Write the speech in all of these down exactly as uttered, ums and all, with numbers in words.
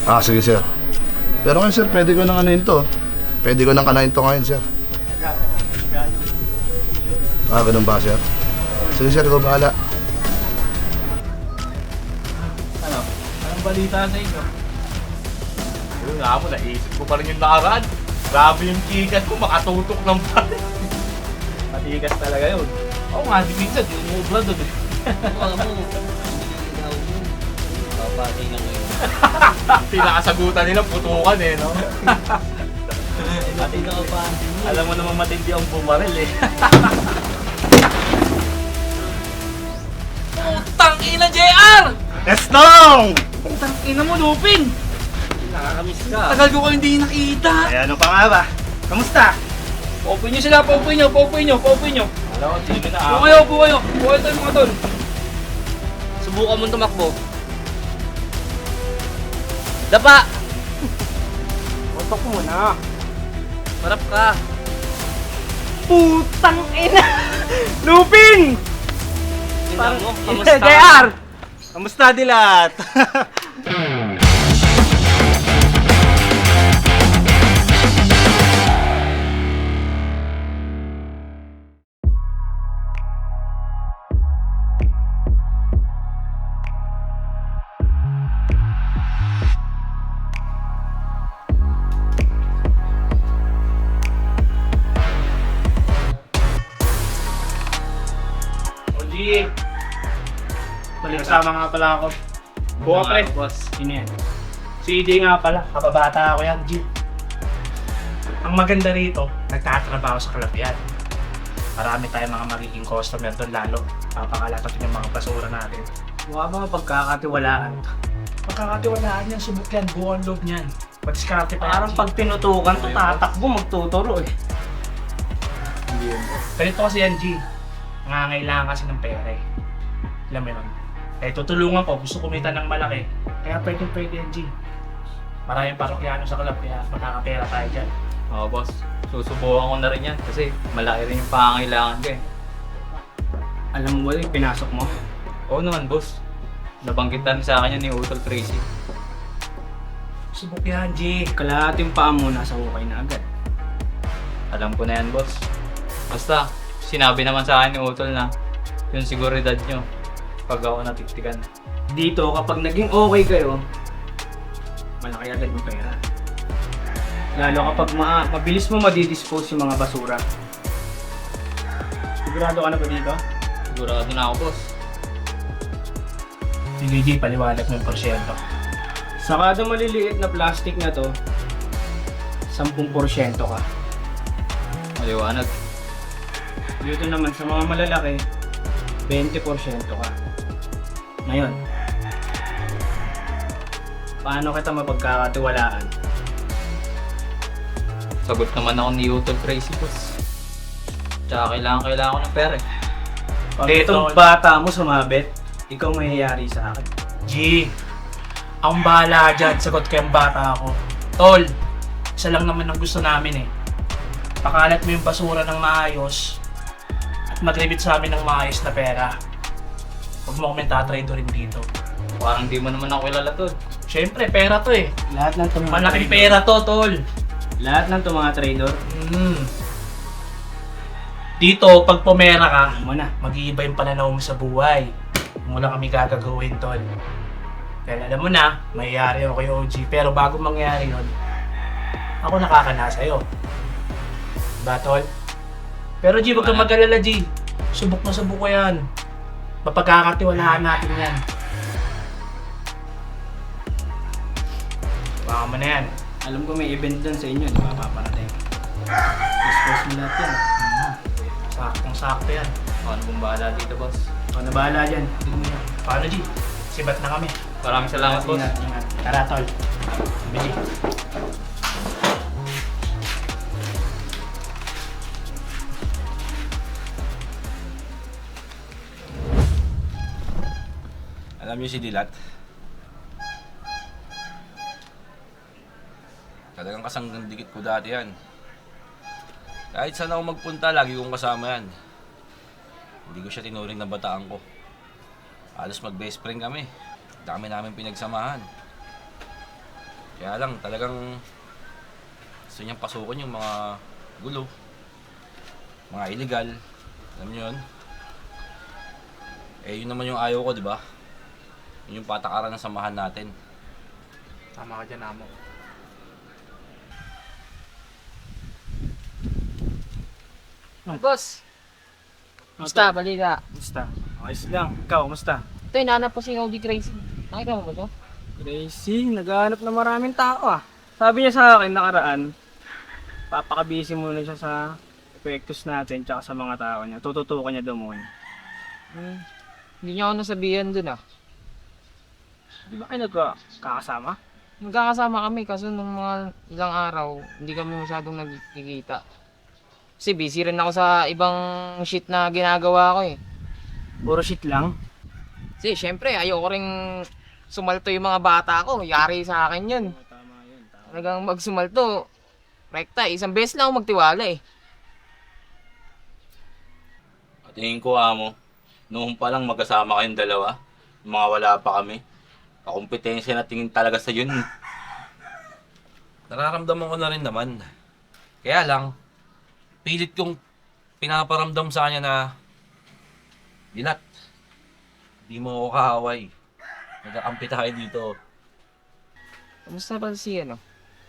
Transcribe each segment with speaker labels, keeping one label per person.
Speaker 1: Ah, sige sir. Pero ngayon sir, pwede ko nang anuhin to. Pwede ko nang kanain to ngayon sir. Ah, ganun ba sir? Sige sir, ikaw bahala.
Speaker 2: Ano? Anong balita sa inyo? Yun nga mo, naisip ko pa rin yung nakaraan. Grabe yung chikas ko, makatutok ng pala. Matigas talaga yun. Oo nga, di minsan, di umubra doon eh.
Speaker 3: Mga mo, ikaw mo. Papatay na ngayon.
Speaker 2: Pinakasagutan nila, putukan eh, no?
Speaker 3: Pati na pa.
Speaker 2: Alam mo naman matindi ang bumaril eh. Putang ina, J R!
Speaker 4: Gastong!
Speaker 2: Putang ina mo, Lupin!
Speaker 3: Nakakamiss ka.
Speaker 2: Tagal ko kayo hindi nakita.
Speaker 4: Eh ano pa nga ba? Kamusta?
Speaker 2: Paupuin nyo sila, paupuin nyo, paupuin nyo, paupuin nyo. Alam ko, sige na
Speaker 3: Ah.
Speaker 2: ako. Upo kayo, upo kayo. Upo kayo tayo mga tol.
Speaker 3: Subukan mong tumakbo. Dapa!
Speaker 2: Utok mo na.
Speaker 3: Marap ka.
Speaker 2: Putang ina! Lupin!
Speaker 3: Tingnan mo, kamusta?
Speaker 2: J R!
Speaker 4: Kamusta dilat?
Speaker 2: O G! Balik kasama nga pala ako. Buka pre.
Speaker 3: Boss.
Speaker 2: Sino yan? Si E J nga pala, kababata ako yan, G. Ang maganda rito, nagtatrabaho sa kalapian. Marami tayong mga magiging customer doon lalo. Papakalatot yung mga basura natin. Mukha mga pagkakatiwalaan. Pagkakatiwalaan yan, subok yan, buong loob niyan. Padiskarte pa yan.
Speaker 3: Parang pag tinutukan to, tatakbo, magtuturo eh.
Speaker 2: Ganito kasi yan, G. Nangangailangan kasi ng pera eh. Alam mo yun? Eh, tutulungan ko. Gusto kumita ng malaki. Kaya pwede pwede yan, G. Maraming parokyano sa club, kaya makakapera tayo dyan.
Speaker 5: Oo, boss. Susubukan ko na rin yan kasi malaki rin yung pangangailangan ko eh.
Speaker 3: Alam mo ba yung pinasok mo?
Speaker 5: Oo naman, boss. Nabanggitan sa akin yan ni Utol Tracy.
Speaker 2: Subok yan, G.
Speaker 3: Kalahating paa mo, nasa hukay na agad.
Speaker 5: Alam ko na yan, boss. Basta, sinabi naman sa akin ni Utol na yung seguridad nyo pag ako natiktikan.
Speaker 3: Dito, kapag naging okay kayo, malaki agad yung pera. Lalo kapag ma mabilis mo madidispose yung mga basura. Sigurado ka na ba dito?
Speaker 5: Sigurado na ako, boss.
Speaker 2: Sige, G, paliwanag mo yung porsyento.
Speaker 3: Sa kada maliliit na plastic na to, ten porsyento ka.
Speaker 5: Maliwanag.
Speaker 3: Dito naman sa mga malalaki, twenty porsyento ka. Ngayon, paano kita mapagkakatiwalaan?
Speaker 5: Sagot naman ako ni Utol Tracy, boss. Tsaka kailangan kailangan ko ng pera eh.
Speaker 3: Pag
Speaker 2: Dito.
Speaker 3: itong bata mo sumabit, ikaw mayayari sa akin.
Speaker 2: G, akong bahala dyan. Sagot ko yung bata ako. Tol, isa lang naman ang gusto namin eh. Pakalat mo yung basura ng maayos at mag-rebit sa amin ng maayos na pera. Huwag mo kami tatrade rin dito.
Speaker 5: Parang di mo naman ako kilala, tol.
Speaker 2: Siyempre, pera to eh.
Speaker 3: Lahat ng tummga
Speaker 2: Malaking pera to, tol.
Speaker 3: Lahat ng tumanga trader,
Speaker 2: Mm. Dito, pag pumera ka,
Speaker 3: mo na.
Speaker 2: mag-iiba yung pananaw mo sa buhay. Kung wala kami gagagawin, tol. Kaya alam mo na, mayayari ako kay O G. Pero bago mangyari yun, ako nakakana sa'yo. Diba, tol? Pero G, huwag kang mag-alala, G. Subok na subok ko yan. Mapagkakatiwalaan natin yan. Baka mo na yan.
Speaker 3: Alam ko may event dyan sa inyo, di ba paparating? Dispose mo lahat yan.
Speaker 2: Hmm. Saktong-sakto yan.
Speaker 5: Ako na bong bahala dito, boss.
Speaker 3: Ikaw na bahala dyan.
Speaker 2: Tignan mo yan. Paano, G? Sibat na kami.
Speaker 5: Maraming salamat, boss.
Speaker 3: Ingat, ingat.
Speaker 2: Tara, tol. Bili.
Speaker 4: Alam niyo si Dilat? Talagang kasanggang dikit ko dati yan. Kahit saan ako magpunta, lagi kong kasama yan. Hindi ko siya tinuring na bataan ko. Halos mag-best friend kami. Dami namin pinagsamahan. Kaya lang, talagang gusto niyang pasukin yung mga gulo, mga illegal. Alam niyo yun? Eh, yun naman yung ayaw ko, di ba? Yun yung patakaran ng samahan natin.
Speaker 2: Tama ka dyan, amo.
Speaker 6: Boss, musta? Balita.
Speaker 3: Kumusta? Ayos lang. Ikaw, kumusta?
Speaker 6: Ito, hinahanap ko si O G Crazy. Nakita mo ba ito?
Speaker 3: Gracie, naghahanap na maraming tao ah. Sabi niya sa akin nakaraan, papakabisi muna siya sa epektos natin tsaka sa mga tao niya. Tututukan niya daw muna.
Speaker 6: Hmm. Hindi niya ako nasabihan dun ah.
Speaker 3: Di ba kayo nagkakasama?
Speaker 6: Magkakasama kami kaso nung mga ilang araw, hindi kami masyadong nagkikita. Kasi busy rin ako sa ibang shit na ginagawa ko eh.
Speaker 3: Puro shit lang.
Speaker 6: Kasi syempre, ayoko ring sumalto yung mga bata ko. Yari sa akin yun.
Speaker 3: Tama yun. Tama.
Speaker 6: Talagang magsumalto. Rekta, isang beses lang ako magtiwala eh.
Speaker 7: Tingin ko, amo, noon pa lang magkasama kayong dalawa, mga wala pa kami. Kakumpetensya na tingin talaga sa yun.
Speaker 4: Nararamdaman ko na rin naman. Kaya lang, pilit kong pinaparamdam sa kanya na, Dilat, di mo ako kaaway. Nagkakampi tayo dito.
Speaker 6: Kamusta ba si ano?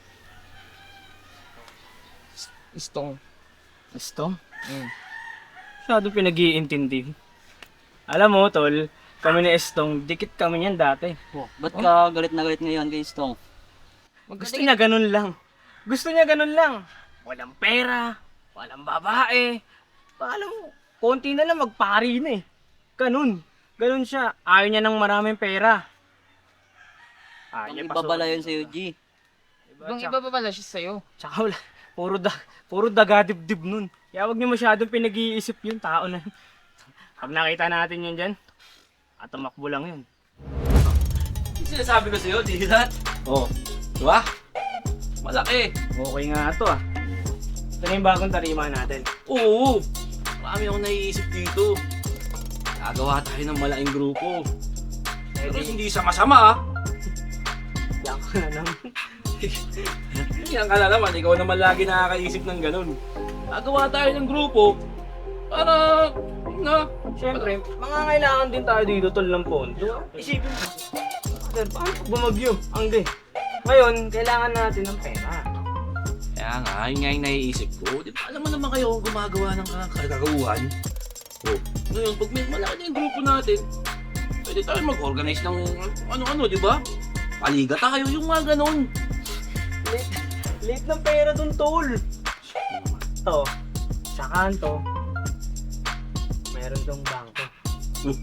Speaker 6: Istong.
Speaker 3: Gusto?
Speaker 6: Mm.
Speaker 3: Masyado pinag-iintindi. Alam mo, tol, kami ni Estong, dikit kami niyan dati.
Speaker 8: Ba't ka galit na galit ngayon kay Stong?
Speaker 3: Gusto niya ganun lang. Gusto niya ganun lang. Walang pera, walang babae. Alam mo, konti na lang magpari na eh. Ganun. Ganun siya. Ayaw niya ng maraming pera. Ayaw
Speaker 8: Ang
Speaker 3: niya
Speaker 8: ibabala
Speaker 3: pasukin
Speaker 8: yun sa'yo,
Speaker 3: sobrang.
Speaker 8: G.
Speaker 6: Ibang iba pa pala siya sa'yo.
Speaker 3: Tsaka wala. Puro, da, puro daga-dibdib nun. Kaya wag niyo masyadong pinag-iisip yung tao na yun. Pag nakita natin yun dyan, at tumakbo lang yun.
Speaker 4: Yung sinasabi ko sa'yo, Dilat.
Speaker 3: Oo.
Speaker 4: Diba? Malaki.
Speaker 3: Okay nga ito ah. Ito na yung bagong tarima natin.
Speaker 4: Oo. Marami akong naiisip dito. Gagawa tayo ng malaking grupo. Pero hindi sa masama ah.
Speaker 3: Yan ka na naman.
Speaker 4: Yan ka na naman, ikaw naman lagi nakakaisip ng ganun. Gagawa tayo ng grupo para, na,
Speaker 3: Siyempre, mangangailangan din tayo dito tol ng pondo. Isipin mo, sir, paano pag bumagyo? Ang di. Ngayon, kailangan natin ng pera.
Speaker 4: kaya nga, yun nga yung naiisip ko. Di ba alam mo naman kayo kung gumagawa ng kagagawan? Oh. Ngayon, pag may malaki na yung grupo natin, pwede tayo mag-organize ng ano-ano, di ba? Paliga tayo, yung mga ganun.
Speaker 3: Late, late ng pera dun, tol. Ito, sa kanto, meron dong bangko.
Speaker 4: Hmm.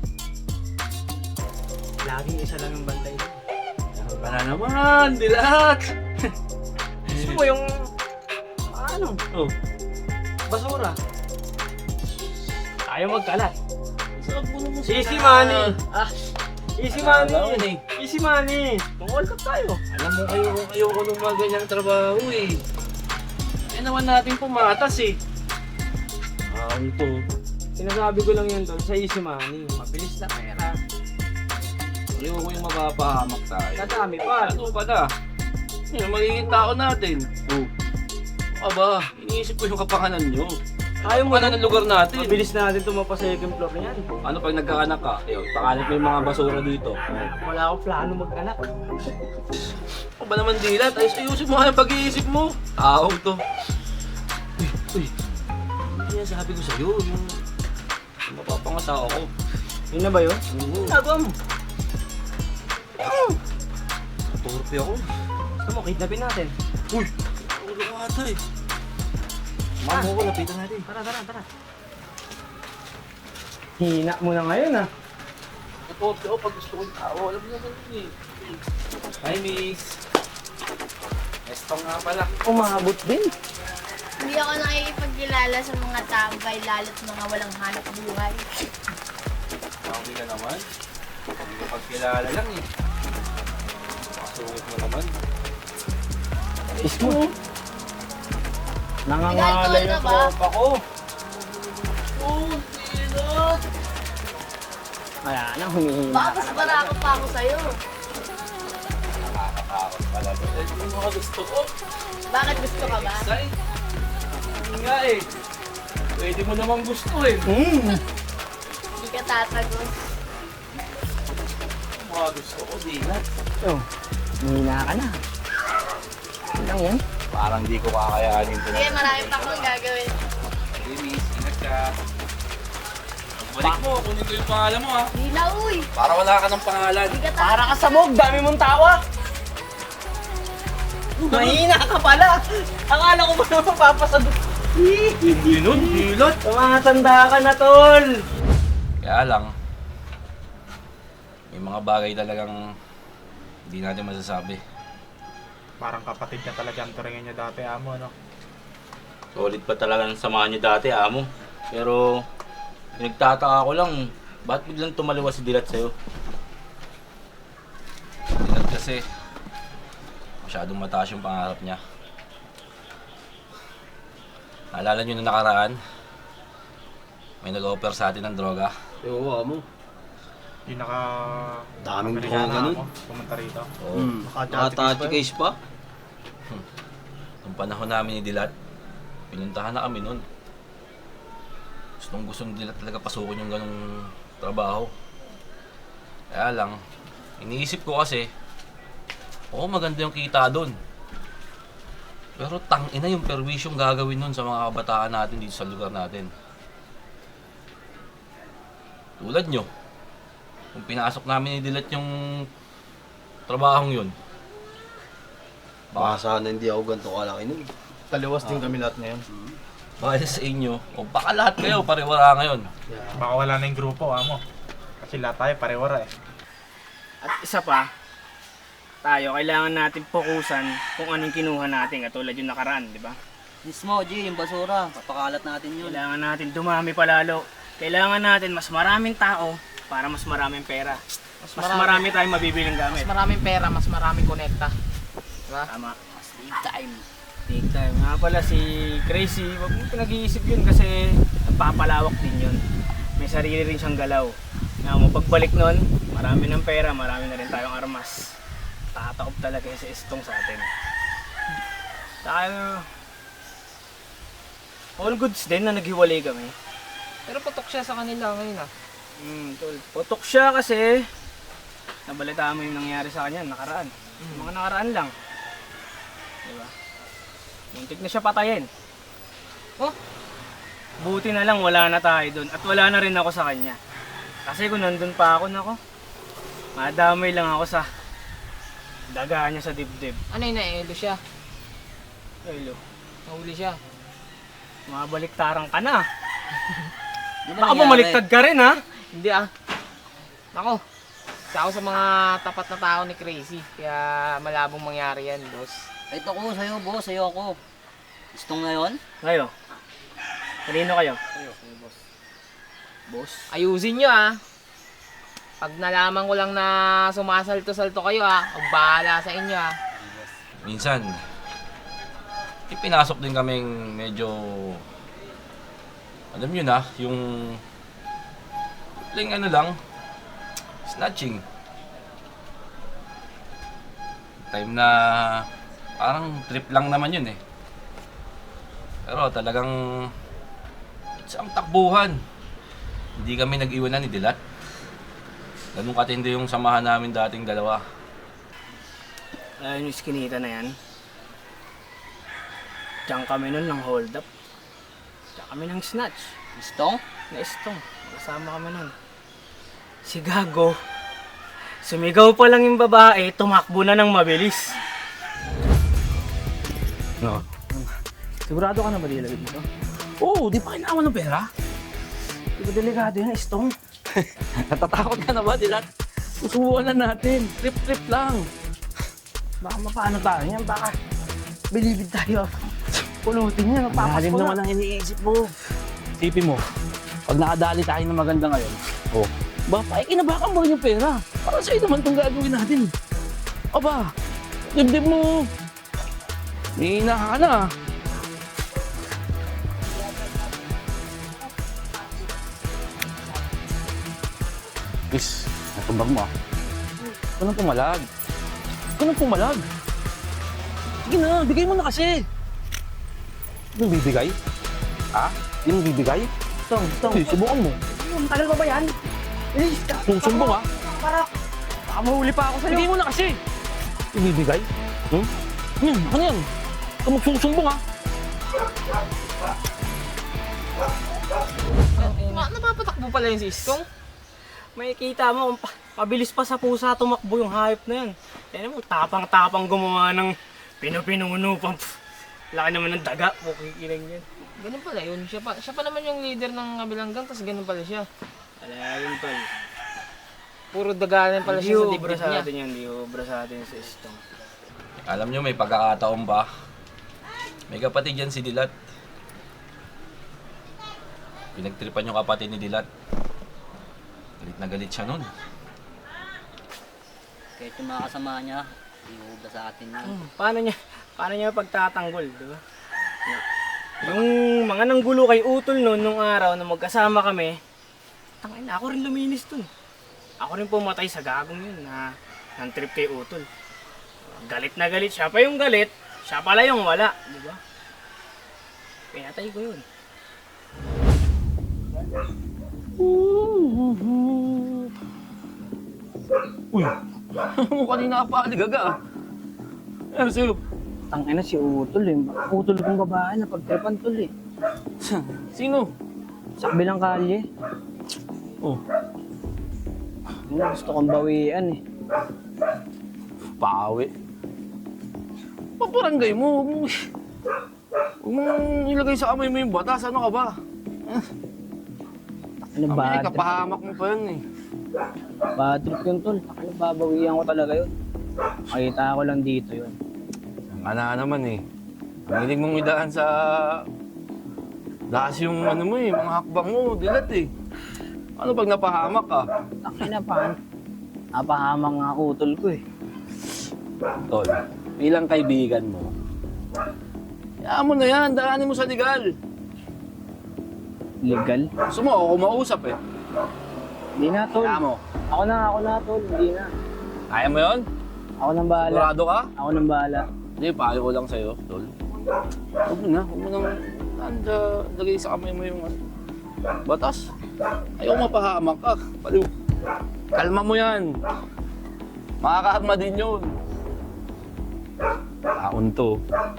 Speaker 3: Laging isa lang yung bantay doon.
Speaker 4: Para naman, Dilat!
Speaker 3: Gusto mo yung, ano,
Speaker 4: Oh,
Speaker 3: basura. Tayo magkalat.
Speaker 4: sarap mo naman
Speaker 3: Easy money.
Speaker 4: Ah,
Speaker 3: Easy
Speaker 4: Alam
Speaker 3: money.
Speaker 4: mo eh.
Speaker 3: Easy money. Mag-all cup tayo.
Speaker 4: alam mo kayo kung ayoko ng mga ganyang trabaho eh. Eh naman natin pumatas eh. Ah, ito.
Speaker 3: Sinasabi ko lang yun doon sa easy money. Mabilis na pera.
Speaker 4: Ayoko yung mapapahamak tayo.
Speaker 3: Kadami pa.
Speaker 4: Ano pa na? Yung magiging tao natin. Oh. Aba, iniisip ko yung kapangalan nyo.
Speaker 3: Ayaw mo
Speaker 4: Ano ng lugar natin?
Speaker 3: Mabilis na natin tumapa sa second floor na yan.
Speaker 4: Ano pag nagkaanak ka? Ayun, pakalat mo yung mga basura dito.
Speaker 3: Wala akong plano mag-anak.
Speaker 4: Ano ba naman Dilat? Ayos ayusin mo nga yung pag-iisip mo. Tao to. Uy, uy. Hindi yan sabi ko sa'yo. Yung, yung mapapangasawa ko.
Speaker 3: Yun na ba yun?
Speaker 4: Oo.
Speaker 3: Nagawa mo.
Speaker 4: Torpe ako.
Speaker 3: Gusto mo, kidnapin natin.
Speaker 4: Uy! Ulo ka ata eh. Mamo ko, lapitan natin.
Speaker 3: Tara, tara, tara. Hina mo na ngayon ah.
Speaker 4: Torpe ako pag gusto ko yung tao. Alam mo naman yun eh. Hi, miss. Estong nga pala.
Speaker 3: Umabot din.
Speaker 9: Hindi ako nakikipagkilala sa mga tambay, lalo't mga walang hanap buhay.
Speaker 4: Sabi ka naman. Hindi ko pagkilala lang eh. Pasungit mo naman.
Speaker 3: Mismo. Nangangalay
Speaker 9: Nag-alcohol
Speaker 3: yung
Speaker 9: ka ba?
Speaker 3: tropa ko.
Speaker 4: Oh, Dilat!
Speaker 3: Kaya na, humihina
Speaker 9: Baka
Speaker 3: ka
Speaker 9: mas
Speaker 3: na
Speaker 9: barako pa ako sa'yo.
Speaker 7: Takot pala doon.
Speaker 4: Eh, yung mga gusto ko.
Speaker 9: Bakit gusto ka ba?
Speaker 4: Excite. Hindi nga eh. Pwede mo namang gusto eh.
Speaker 9: Hindi ka tatagos.
Speaker 4: Yung mga gusto ko, dilat.
Speaker 3: Oh, mahina ka na. Ano lang yan?
Speaker 7: Parang di ko kakayanin ito.
Speaker 9: Sige, marami pa akong gagawin.
Speaker 4: Hey, miss, ingat ka. Balik mo, kunin ko yung pangalan mo ha.
Speaker 9: Hindi na, uy!
Speaker 4: Para wala ka ng pangalan.
Speaker 9: Hindi ka
Speaker 3: Para
Speaker 9: tatagos.
Speaker 3: ka sabog, dami mong tawa. Mahina ka pala. Akala ko ba na mapapasadok?
Speaker 4: Hindi nun, dilat.
Speaker 3: Tumatanda ka na, tol.
Speaker 7: Kaya lang, may mga bagay talagang hindi natin masasabi.
Speaker 2: Parang kapatid niya talaga ang turingin niya dati, amo, no?
Speaker 7: Solid pa talaga ng samahan niyo dati, amo. Pero, nagtataka ko lang, ba't biglang tumaliwas si Dilat sa'yo? Dilat kasi, masyadong mataas yung pangarap niya. Naalala niyo na nakaraan, may nag-offer sa atin ng droga.
Speaker 4: Oo, amo.
Speaker 2: Yung naka...
Speaker 4: Daming
Speaker 2: Amerikana
Speaker 4: droga nun.
Speaker 2: ako, pumunta rito.
Speaker 7: Oo.
Speaker 4: Hmm. Nakatati case pa?
Speaker 7: Nung panahon namin ni Dilat, pinuntahan na kami nun. Gustong gusto ni Dilat talaga pasukin yung ganong trabaho. Kaya lang, iniisip ko kasi, oo maganda yung kita doon. Pero tangina yung perwisyong gagawin nun sa mga kabataan natin dito sa lugar natin. Tulad nyo, kung pinasok namin ni Dilat yung trabahong yun,
Speaker 4: Baka sana hindi ako ganito kalaki nun.
Speaker 1: Taliwas din kami lahat ngayon.
Speaker 7: baka sa inyo, o baka lahat kayo pariwara ngayon.
Speaker 2: Baka wala na yung grupo, amo. Kasi lahat tayo parewara eh.
Speaker 3: At isa pa, tayo kailangan natin fokusan kung anong kinuha natin katulad yung nakaraan, di ba?
Speaker 8: Mismo, G, yung basura. Papakalat natin yun.
Speaker 3: Kailangan natin dumami palalo. Kailangan natin mas maraming tao para mas maraming pera. Mas,
Speaker 6: marami.
Speaker 3: marami tayong mabibiling gamit.
Speaker 6: Mas maraming pera, mas maraming konekta. Diba?
Speaker 3: Tama.
Speaker 8: Big time.
Speaker 3: Big time. Nga pala si Crazy, wag mo pinag-iisip yun kasi nagpapalawak din yun. May sarili rin siyang galaw. Nga mo, pagbalik nun, marami ng pera, marami na rin tayong armas. Tatakop talaga si Estong sa atin. Tayo, all goods din na naghiwalay kami.
Speaker 6: Pero putok siya sa kanila ngayon ah.
Speaker 3: Hmm, tol. Putok siya kasi nabalitaan mo yung nangyari sa kanya nakaraan. Mga nakaraan lang. Diba? Muntik na siya patayin.
Speaker 6: Oh,
Speaker 3: Buti na lang wala na tayo doon at wala na rin ako sa kanya. Kasi kung nandun pa ako, nako, madamay lang ako sa daga niya sa dibdib.
Speaker 6: ano yun, naelo siya.
Speaker 3: Ay, lo,
Speaker 6: Nahuli siya.
Speaker 3: mabaliktaran ka na.
Speaker 8: Di ba
Speaker 3: Baka
Speaker 8: nangyari?
Speaker 3: bumaliktad ka rin, ha?
Speaker 6: Hindi ah. Ako, isa ako sa mga tapat na tao ni Crazy. Kaya malabong mangyari yan, boss.
Speaker 8: Ito ko, sa'yo, boss. Sa'yo ako. Gustong ngayon?
Speaker 3: Ngayon, kanino kayo? Kayo, kayo, boss. Boss?
Speaker 6: Ayusin nyo ah. Pag nalaman ko lang na sumasalto-salto kayo ah, huwag bahala sa inyo ah.
Speaker 7: Minsan, ipinasok din kaming medyo, alam nyo na, yung lang ano lang, snatching. Time na parang trip lang naman yun eh. Pero talagang it's ang takbuhan. Hindi kami nag-iwanan ni Dilat. Ganun katindi yung samahan namin dating dalawa.
Speaker 3: Ayun yung skinita na yan. Diyan kami nun ng hold up. Diyan kami ng snatch.
Speaker 8: Gustong?
Speaker 3: Na-istong. Kasama kami nun. Si Gago. Sumigaw pa lang yung babae, tumakbo na ng mabilis.
Speaker 7: No.
Speaker 3: Sigurado ka na ba dilagay dito?
Speaker 4: Oo, di pa kailangan ng pera.
Speaker 3: Di ba delikado yan, Istong?
Speaker 4: Natatakot ka na ba, Dilat? Susubukan na natin. Trip-trip lang.
Speaker 3: Baka mapaano tayo yan, baka bilibid tayo. Pulutin niya, mapapas
Speaker 4: Malalim
Speaker 3: ko
Speaker 4: naman
Speaker 3: na.
Speaker 4: ang iniisip mo. Isipin mo, pag nakadali tayo ng maganda ngayon, oh, ba, paikinabakan mo rin yung pera. Para sa'yo naman itong gagawin natin. Aba, dibdib mo. May ka na. Miss, natumbag mo ah. Ito nang pumalag.
Speaker 7: ka nang pumalag. Sige na, bigay mo na kasi. Hindi mo bibigay? Ha? Hindi mo bibigay?
Speaker 3: Tong, tong.
Speaker 7: Sige, subukan mo.
Speaker 3: Ang tagal pa ba yan? Bilis ka.
Speaker 7: Susumbong ha?
Speaker 3: Para, baka mahuli pa ako sa'yo.
Speaker 7: Bigay mo na kasi. Ibibigay? Hmm? Ano yan? Ano yan? Ikaw magsusumbong ha?
Speaker 6: Ma, napapatakbo pala yung si Istong.
Speaker 3: May kita mo, kung pa- pabilis pa sa pusa tumakbo yung hayop na yan. Yan mo, tapang-tapang gumawa ng pinupinuno pa. Pff, laki naman ng daga, pukikilang yan.
Speaker 6: Ganun pala yun. Siya pa, siya pa naman yung leader ng kabilang gang, tapos ganun pala siya.
Speaker 3: Wala yun pal.
Speaker 6: Puro dagalan pala
Speaker 3: Hindi
Speaker 6: siya sa
Speaker 3: ubra
Speaker 6: dibdib
Speaker 3: sa
Speaker 6: niya.
Speaker 3: atin yan, hindi ubra sa atin sa istong.
Speaker 7: Alam nyo, may pagkakataon ba? May kapatid yan si Dilat. Pinagtripan yung kapatid ni Dilat. Galit na galit siya nun.
Speaker 8: Kahit yung mga kasama niya, iuubra sa atin yan.
Speaker 3: Hmm, paano niya, paano niya pagtatanggol, di ba? Yung mga nanggulo kay Utol noon nung araw na magkasama kami, tangin na ako rin luminis dun. Ako rin pumatay sa gagong yun na ng trip kay Utol. Galit na galit, siya pa yung galit, siya pala yung wala, di ba? Pinatay ko yun.
Speaker 7: Uy! Mo kanina ka pa aligaga. Ano sa'yo?
Speaker 3: Tangin na si Utol eh. Utol kong babae na pagtripan tol eh.
Speaker 7: Sino?
Speaker 3: Sa kabilang kalye.
Speaker 7: Oh,
Speaker 3: Ano, gusto kong bawian eh.
Speaker 7: pawi. Paparangay mo. Huwag mong... Huwag mong ilagay sa kamay mo yung batas. Ano ka ba?
Speaker 3: Ano
Speaker 7: Kami,
Speaker 3: ba?
Speaker 7: kapahamak mo pa yun eh.
Speaker 3: Bad trip yun tol. Ano, babawian ko talaga yun. Makita ko lang dito yun.
Speaker 7: Ang ana naman eh. Ang hilig mong idaan sa... Lakas yung ano mo eh, mga hakbang mo, dilat eh. Ano pag napahamak ka?
Speaker 3: Tangin na pa. Napahamang nga Utol ko eh.
Speaker 7: Tol, bilang kaibigan mo, hayaan mo na yan, daanin mo sa legal.
Speaker 3: Legal?
Speaker 7: Gusto mo, ako mausap eh.
Speaker 3: Hindi na tol.
Speaker 7: Hayaan mo.
Speaker 3: Ako na, ako na tol. Hindi na.
Speaker 7: Kaya mo yun?
Speaker 3: Ako nang bahala.
Speaker 7: Sigurado ka?
Speaker 3: Ako nang bahala.
Speaker 7: Hindi, payo ko lang sa'yo, tol. Huwag mo na, huwag mo nang anda, lagay sa kamay mo yung ano, batas. Ayaw mapahamak ka. Paliw. Kalma mo yan. Makakaharma din yun. Taon to.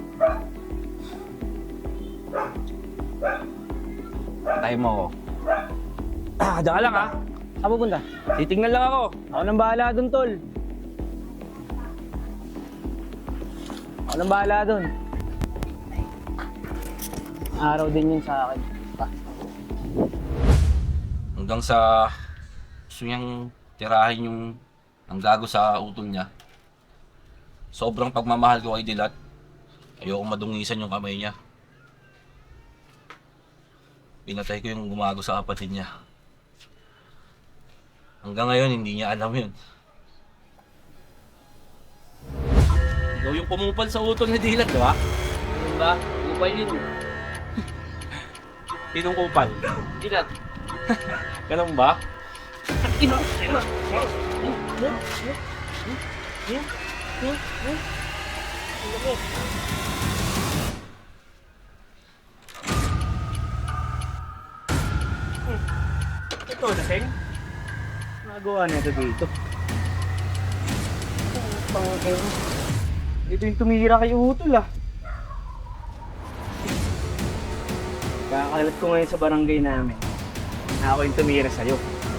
Speaker 7: Patay mo ako. Ah, diyan ka lang ha.
Speaker 3: Saan pupunta?
Speaker 7: Titingnan lang ako.
Speaker 3: Ako nang bahala dun tol. Ako nang bahala dun. Araw din yun sa akin.
Speaker 7: Hanggang sa gusto niyang tirahin yung ang gago sa utol niya. Sobrang pagmamahal ko kay Dilat. Ayoko madungisan yung kamay niya. Pinatay ko yung gumago sa kapatid niya. Hanggang ngayon, hindi niya alam yun. Ikaw yung pumupal sa utol ni Dilat, di ba?
Speaker 5: Diba? Upay yun.
Speaker 7: Sinong kupal?
Speaker 5: Dilat.
Speaker 7: Ganun ba?
Speaker 3: Ito, lasing. Nagawa na ito dito. Pangakil. Ito yung tumira kay Utol ah. Kakalat ko ngayon sa barangay namin. Na ako yung tumira sa'yo.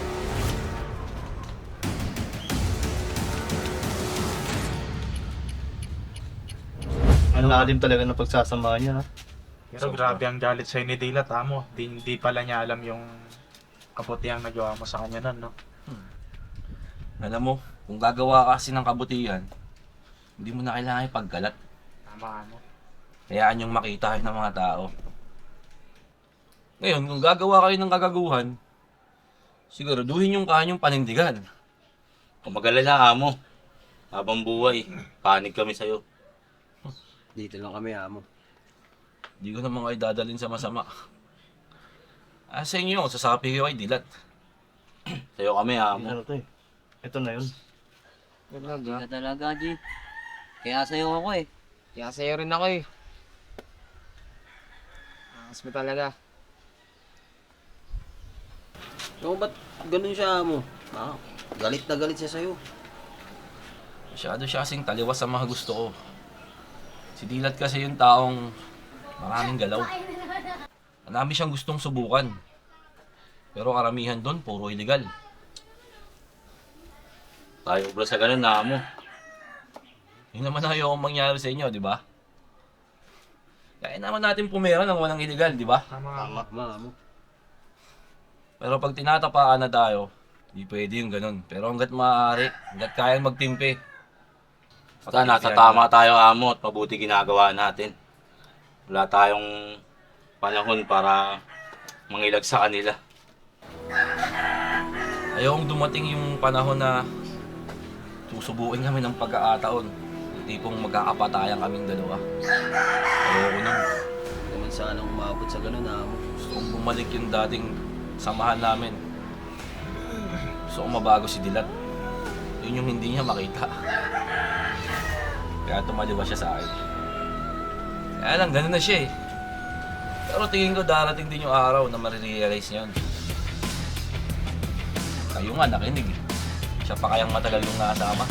Speaker 1: Ang lalim talaga ng pagsasama niya, ha?
Speaker 2: Pero grabe ang galit sa'yo ni Dilat, amo. Di, di pala niya alam yung kabutihang nagawa mo sa kanya nun, no?
Speaker 7: Alam mo, kung gagawa ka kasi ng kabutihan, hindi mo na kailangan ipagkalat.
Speaker 2: Tama, amo.
Speaker 7: Hayaan yung makita kayo ng mga tao. Ngayon, kung gagawa kayo ng kagaguhan, siguraduhin yung kanyang panindigan.
Speaker 10: Kung mag-alala ka mo, habang buhay, panig kami sa'yo.
Speaker 11: Dito lang kami, amo.
Speaker 7: Hindi ko naman kayo dadalhin sa masama. Ah, sa inyo, sasapi kayo kay Dilat.
Speaker 10: Sa'yo kami, amo.
Speaker 1: Ano to eh? Ito na yun.
Speaker 8: Hindi ka talaga, G. Kaya sa'yo ako eh.
Speaker 6: Kaya sa'yo rin ako eh. Angas mo talaga.
Speaker 11: Ikaw ba't ganun siya amo? Ah, galit na galit siya sa'yo.
Speaker 7: Masyado siya kasing taliwas sa mga gusto ko. Si Dilat kasi yung taong maraming galaw. Marami siyang gustong subukan. Pero karamihan doon, puro illegal.
Speaker 10: Tayo bro sa ganun na mo.
Speaker 7: Yun naman ayaw akong mangyari sa inyo, di ba? Kaya naman natin pumera ng walang illegal, di ba?
Speaker 1: Tama.
Speaker 11: Tama, amo.
Speaker 7: Pero pag tinatapaan na tayo, di pwede yung ganun. Pero hanggat maaari, hanggat kayang magtimpi.
Speaker 10: Basta nasa tama tayo amo at mabuti ginagawa natin. Wala tayong panahon para mangilag sa kanila.
Speaker 7: Ayokong dumating yung panahon na susubuin kami ng pagkakataon. Yung tipong magkakapatayan kaming dalawa. Ayoko nun.
Speaker 11: Hindi naman sana umabot sa ganun, amo.
Speaker 7: Gusto kong bumalik yung dating samahan namin. Gusto kong mabago si Dilat. Yun yung hindi niya makita. Kaya tumaliwas siya sa akin. Kaya lang, ganun na siya eh. Pero tingin ko darating din yung araw na marirealize niya yun. Kayo nga, nakinig eh. Siya pa kayang matagal yung nakasama.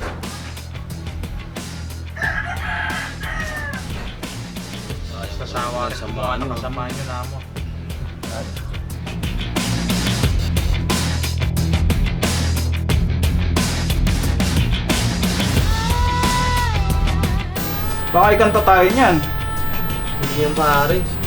Speaker 2: Sasawa rin sa mga ano, kasama nyo na mo.
Speaker 1: Baka ikanta tayo niyan.
Speaker 11: Hindi yan pare.